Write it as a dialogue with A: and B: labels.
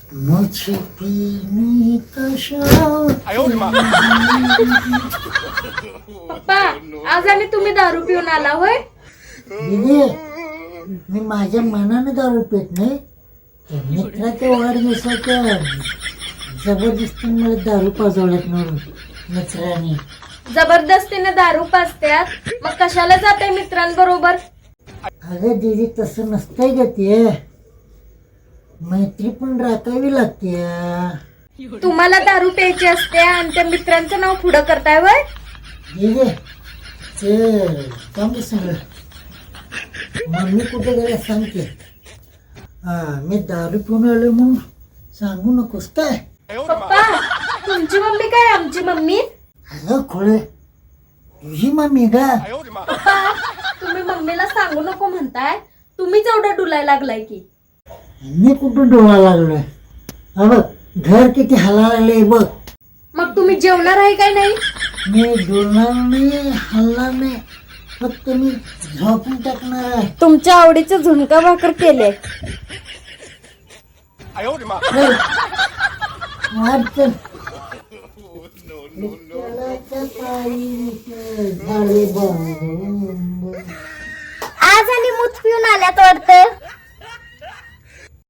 A: मुझे पीने का शौक
B: पप्पा आज आणि तुम्ही दारू पिऊन आला होय?
A: दीदी, मी माझ्या मनाने दारू पित नाही. त्या मित्राच्या वाढदिवसाच्या जबरदस्ती मला दारू पाजवल्यात म्हणून मित्राने.
B: जबरदस्तीने दारू पाजत्यात मग कशाला जाते मित्रांबरोबर?
A: अगं दीदी, तसं नसतंय ग ते. मैत्री पण राखावी लागते.
B: तुम्हाला दारू प्यायची असते आणि त्या मित्रांचं नाव पुढं करताय वय?
A: दीदी, ते सांगू सगळं. मम्मी कुठे गेल्या सांगते. मी दारू पिऊन आलो म्हणून सांगू नकोस काय.
B: पप्पा तुमची मम्मी काय आमची मम्मी?
A: अगं खोळे, तुझी मम्मी ग.
B: पप्पा तुम्ही मम्मीला सांगू नको म्हणताय, तुम्हीच एवढं डुलाय लागलाय की.
A: मी कुठून डोळा लागलोय? हा बघ, घर किती हला लागले बघ.
B: मग तुम्ही जेवणार आहे काय नाही?
A: मी डोलणार नाही, हलणार नाही, फक्त मी झोपून टाकणार आहे.
B: तुमच्या आवडीचं झुणका भाकर केले.
A: चल, वाट चल. विठ्ठलाच्या पायी झाले बंद.
B: आज आणि मूत पिऊन आल्यात वाटतं.